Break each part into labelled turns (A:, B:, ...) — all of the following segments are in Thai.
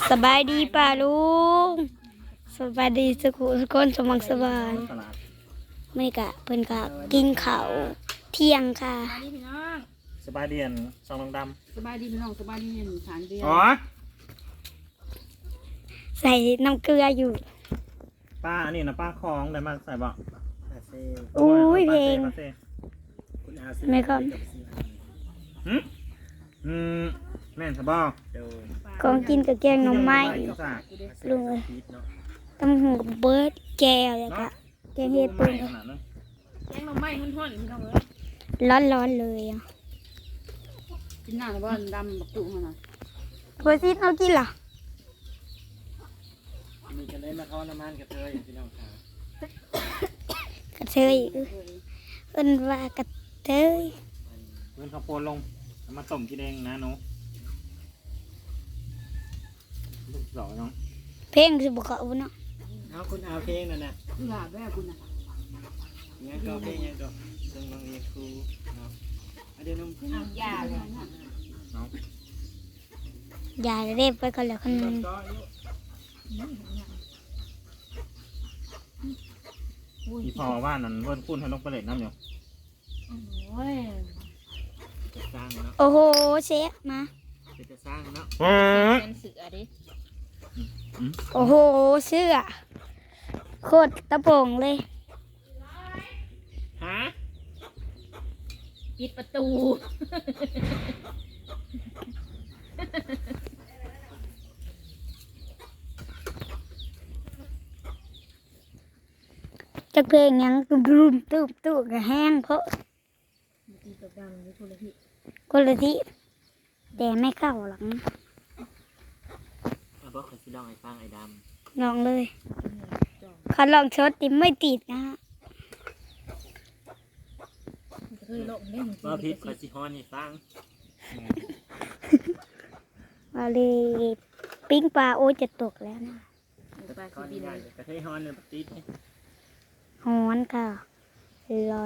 A: สบายดีป่าลุงสบายดีสุขุทุกคนสมังสบายไม่กะเพิ่นกะกินข้าวเที่ยงค่ะ
B: สบายดีพี่น้อง
C: สบายเดียนซองดำ
B: สบายดีพี่น้องสบายดีหนึ่งฐานเดียว
C: อ๋อ
A: ใส่น้ำเกลืออยู่
C: ป้าอันนี้นะป้าคลองได้มาใส่บ่
A: อุ้ยเพลง
C: ป้าเซ่
A: ไม่ก็
C: หืมแม่นสบอ
A: ของกินกับแกงหน่อไม้ลุงเอ้ยตำหูกับเบิร์ดแก้วแล้วก็แกงเห็ด
C: ปู
A: ปู
C: ขนาดนั้น
B: แกงหน่อไม้ห้อนๆพี่น้องเอ้ย
A: ร้อนๆเลยอ่ะ
B: กินหน้าแต่ว่าดำบักตุ่มหน่อย
A: เบอร์ซิเอากินเหรอ
C: มีกันได้มาทอดน้ำมันกับเธอพี่น้องค่ะ
A: กระเทยเอิ้นว่ากระเทย
C: เพื่อนข้าวโพดลงเอามาต้มกินเองนะหนูลูกสาวน้อง
A: เพลงสิบ่เข้าเนาะ
D: เอาคุณเอาเพลงนั่นน่ะ
B: หลาบแม่คุณน่ะ
D: ยังก็เพลงยังก็ซึ่งบางทีครูเนาะเดี๋ยวน้องเพลง
B: เอายาเลยนะ
C: น้อง
A: อย่าเรียบไปก่อนแล้วคัน
D: ก็อยู่
C: อีพอว่านั่นเพื่อนพูดให้ลงไปเล่นน้ำอยู่
B: โอ้ย
D: จะสร้างเนาะ
A: โอ้โหเชฟมา
D: จะสร้างเนาะ
B: เป็นเสือดิ
A: โอ้โหเสื้อโคตรตะโปงเลย
D: ฮะ
B: ปิดประตู
A: จักเพลงหยังตุ้มตุ้มก็แห้งเพราะ
B: ตีกับดำนี่ทุเรศ
A: คนละที่แต่ไม่เข้าหรอกนะ
D: เอาบอกคนสิลองไอ้ฟังไอ้ด
A: ลองเลยเขาลองชดติไม่ติดนะฮะ
B: เคยลงเล่น
D: ำว่าพิษคอยสิฮอนนี่ฟัง
A: ว่าเลยปิ้งปลาโอ้ยจะตกแล้วนะ
B: ไป
D: ก้อน
B: ปี
D: ให
B: เล
D: ญ่
B: ย
D: กระเทยฮอนเลยติด
A: ฮ้อนค่ะร้อน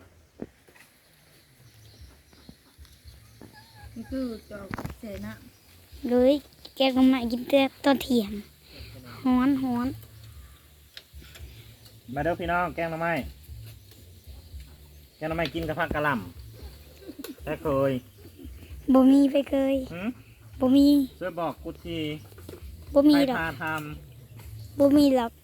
B: นี่คือจอกเสนา
A: เลยแกก็มากินแต่ตอนเที่ยงฮ้อน
C: มาเด้อพี่น้องแกงหน่อไม้แกงหน่อไม้กินกับผักกะหล่ำแค่เคย
A: บ่มีไปเคย
C: หืม
A: บ่มี
C: ช่วยบอกกูที
A: บ่มี
C: ใคร
A: ดอก
C: พาท
A: บ่มีหรอก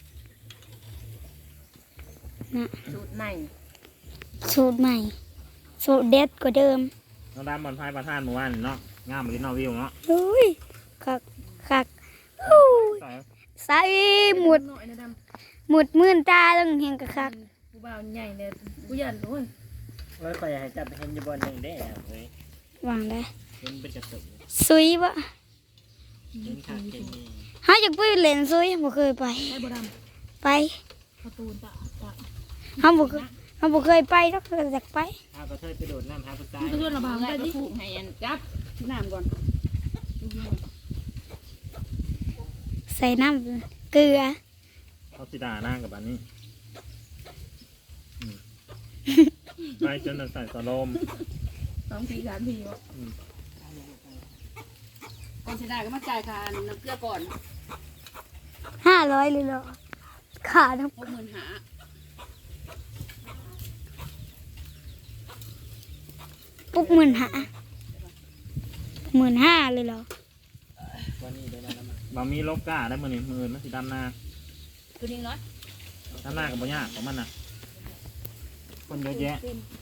A: นะ
B: สูตรใหม่
A: สูตรใหม่สูตรเด็ดกว่าเดิม
C: ำน้องดำบอลพายประธานหมู่บ้านเนาะงามลิ้นนอวิวเนาะ
A: อุ้ยคักอู้ย
C: ใส่
A: ใส่หมด
B: หน่อยนะด
A: หมดมื่นตาต้องเห็นกะคัก
B: ำกูบ่าวใหญ่เลยกูยันโอ้ย
D: ว่าคอยให้จับเห็นอยู่บนหนึ่งได้เฮ้ยว
A: างได้
D: เห็นเป็นกระสุน
A: ซุยบ่
D: เห็นขาดเกนี่
A: หาจากไปเล่นซุยบ่เคยไป
B: ได้บ่ด
A: ไป
B: ำประตูตะ
A: เฮาบ่เคยไปดอกอยากไป
D: เอากระเทยไปโดดน้ำหาผู้ชาย
B: มันก็ชวนระบายไปดิถูกให้อันจับน้ำก่อน
A: ใส่น้ำเกลือ
C: เขาสิดาหน้ากับอันนี้ไปจนใส่สโลม
B: 2 ปี3 ปีวะก่อนสิได้ก็มาจ่ายค่าน้ำเกลือก่อน
A: 500เลยเหรอขาด
B: 65,000
A: ปุ๊บ15,000เลยเหรอ
D: วันนี้ได้มาแล้วมา
C: บะมีโลก้าได้มือนี่มือมันสิดำหน้า
B: ตัวนี้น้อย
C: ดำหน้ากับบ่ยากของมันน่ะคนเยอะแยะ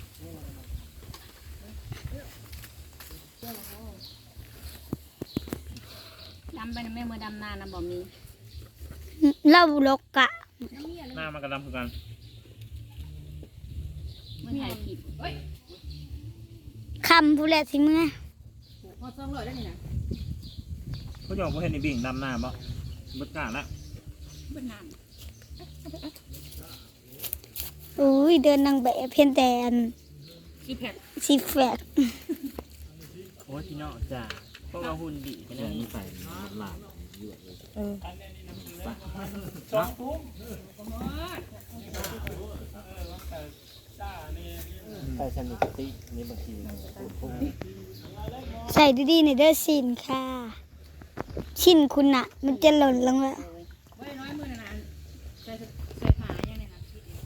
B: ดำไปนะแม่มือดำนานะบ่มี
A: เราลกกะ
C: หน้ามันก็ดำคือกัน
B: มือถ่ายคลิปเฮ้ย
A: คำผู้แลสิเมื่อ
B: พอ200ได้นี่นะ
C: เขาจะบอกว่าเห็นในบิ่งดำหน้าบ่บึกกล้าละ
B: เบิ่นน้
A: อุ้ยเดินนางแบบเพียงแต่อัน
B: ำกี่แผ่น
A: สิแฟด
D: โอ้พี่น้องจ้าเพราะว่าหุ่นดีกัน
C: เดี๋
D: เลย
C: วย มันใส่หลาบ
D: ไปสนิทตินี่บางทีพุ่ง
A: ใส่ดีๆในเด้อสินค่ะชิ้นคุณน่ะ มันจะหล่นลงแล้ว
B: ไว้น้อยมือนะนะใส่ผ้าอย่างนี้นะที่ดิ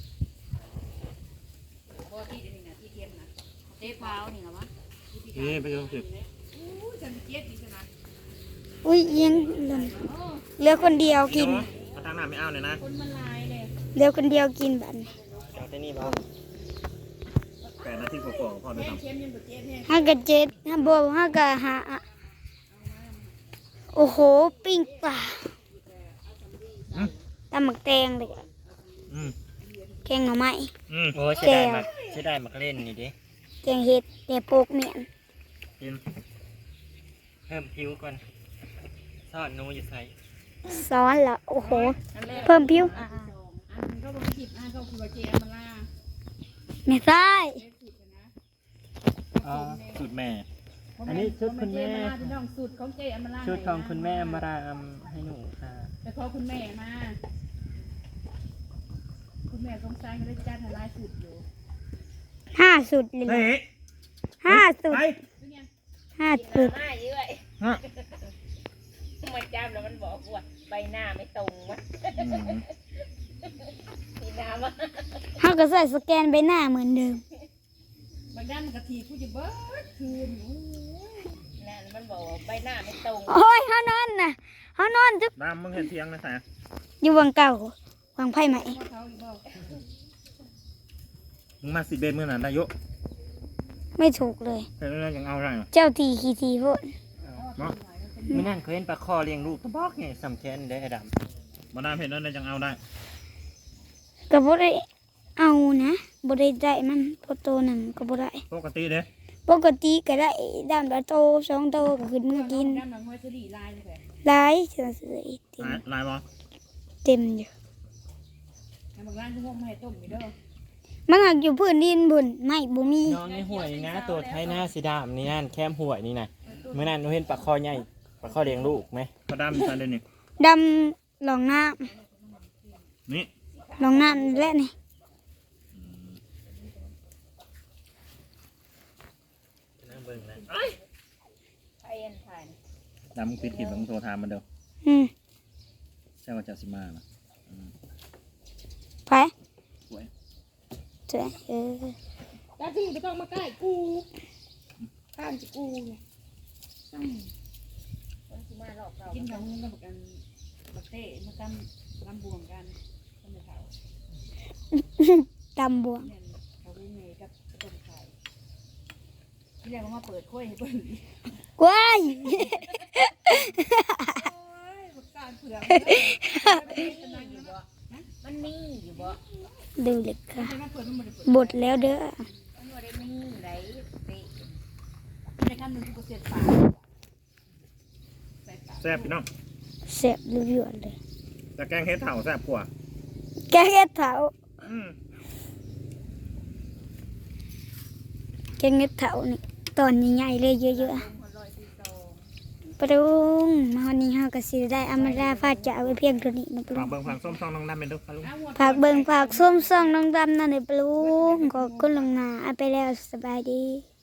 B: บ่ที่ดินนี่นะที่เทียมนะเจ๊พาวนี่นะวะ
C: นี่ไปดูสิ
B: อู้จันเจี๊ยบดีขนาด
A: อุ้ยยังหล่นเหลือคนเดียวกิน
C: มาทางหน้าไม่เอาเลยนะ
B: คนมันลายเลย
A: เหลือคนเดียวกินบัดนี้
D: เอาแต่นี่บ่
C: 8 นาทีกว่าๆพอได้
B: แห้ง
C: ทำ
B: เค็มยังบ่เจ๊บแห้ง
A: ห้ากะเจ็ดห้าบวกห้ากะหาโอ้โหปิ้งปลาตำหมักแตงเลยอะ
C: อืม
A: แกงหน่อไม้
D: โอ้ใช่ได้มักเล่นนี่ดิ
A: แกงเห็ดแต่โปกเมียน
C: กิน
D: เพิ่มผิวก่อนซอสหนูอยู่ใส่
A: ซ้อนละโอ้โห
B: อันแรก
A: เพิ่มผิว
B: อันก็บ่ผิดอันก็คือว่าเจ๊มาล่า
A: ไม่ใช่
D: อ๋อ
C: สูตรแม่
D: อันนี้ชุดคุณแม่
B: พี่น้องสูตรของเจ๊อมรา
D: ชุดของคุณแม่มาราให้หนูค่ะ
B: แต่ขอคุณแม่มา คุณแม่สงสารก็เลยจัดให้หลายสูตรอยู่
A: 5 สุดเลย
C: เฮ้ย
A: 5 สุด
C: ไป
A: 5 สุด
E: หน้าเยอะ
C: ฮะ
E: มันจำแล้วมันบอกว่าใบหน้าไม่ตรงวะ
C: อืม
E: มีน้ำวะ
A: เขาก็ใส่สแกนใบหน้าเหมือนเดิม
B: บางด้านมันกะทีผู้จะเบิดคืนโอ้ย
E: นั่นมันบอกว่าใบหน้าไม่ตรง
A: โอ้ยเขานอนน่ะเขานอนจุ๊บ
C: ดำมึงเห็นเทียงนะสาย
A: อยู่วังเก่าวังไผ่ไหม
B: พ่อเขาอีกบอก
C: มึงมา10 เบนมือหน่ะนายก
A: ไม่ถูกเลย
C: เห็นแล้วยังเอาอะไร
A: เจ้าทีขี้ทีโพด
C: เนาะ
D: ไม่นั่นเคยเห็นปลาคอเลี้ยงลูกตะบอกไงสำแคนได้ไอ้ดำ
C: มาดามเห็นแล้วยังเอาได้
A: ก็บ่ได้เอานะบ่ได้ได้มันพอโตนั่นก็บ่ได้
C: ปกติเด้
A: ปกติก็ได้ดำละโต2 โตก็ขึ้นมากิน
B: ด้านหลังห้อยสลีลายเลยแหละ
A: หลายเสือเต็ม
C: ลายบอ
A: เต็มอยู่
B: บางร้านเขาบอกมาให้ต้มอยู่เด้อ
A: มันหักอยู่พื้นดินบุญไม่บ่มี
D: น้องในห่วยนี่นะตัวไทยหน้าสีดำนี่นั่นแคมห่วยนี่นะเมื่อนั้นหนูเห็นปลาคอใหญ่ปลาคอเลี้ยงลูกไหม
C: มาดามใส่เลยนี่
A: ดำหลองน้
C: นี่
A: ำหลองน้ำและนี่
D: นั่งเบิ่งนะ
E: ไอ้ยันถ่าย
C: ดำมึงปิดขีดมึงโทรถามมันเด้อ
A: อืม
C: ใช่ว่าจะสิมานะ
A: ไป
C: สวย
A: เจ้เออ
B: ตาที่ไม่ต้องมาใกล้กูข้างจะกูเนี่ยตั้ง
E: คนที่มารอบเรา
B: กินของมึงกับกันบักเต้มาตั้มลำบวงกันต้นเขา
A: ตำบวง
B: เนี่ยเขาดูเมย์กับต้นไข่ที่แรกก็มาเปิดค่อยให้เปิด
A: ว้าย
B: บักการเผือก
E: มันมีอยู่บ่
A: ดูเลยค่ะ
B: ใช่ไหมเปิดมันไม่ได้เปิด
A: บดแล้วเด้อ
E: มันว่าได้มีไรเตะ
B: ในขั้นหนึ่งกูเสียดปากใส่ปาก
C: แซ่บพี่น้อง
A: แซ่บรู้ยวนเลย
C: แต่แกงเฮ็ดเถ่าแซ่บกว่า
A: แกงเห็ดเถา
C: อืม
A: แกงเห็ดเถานี่ตอนใหญ่ๆเลยเยอะๆปรุงมาวันนี้เฮาก็สิได้อำมาลาฟาดจะเอาไว้เพียงเท่านี้นะปรุ
C: ฝาก
A: ง
C: เบิ่งฝากส้มซองน้องดำเป็นเด้อปะลุง
A: ฝากเบิ่งฝากส้มซ่องน้องดำนั่นเด้อปรุงขอบคุณลวงหน้าเอาไปแล้วสบายดี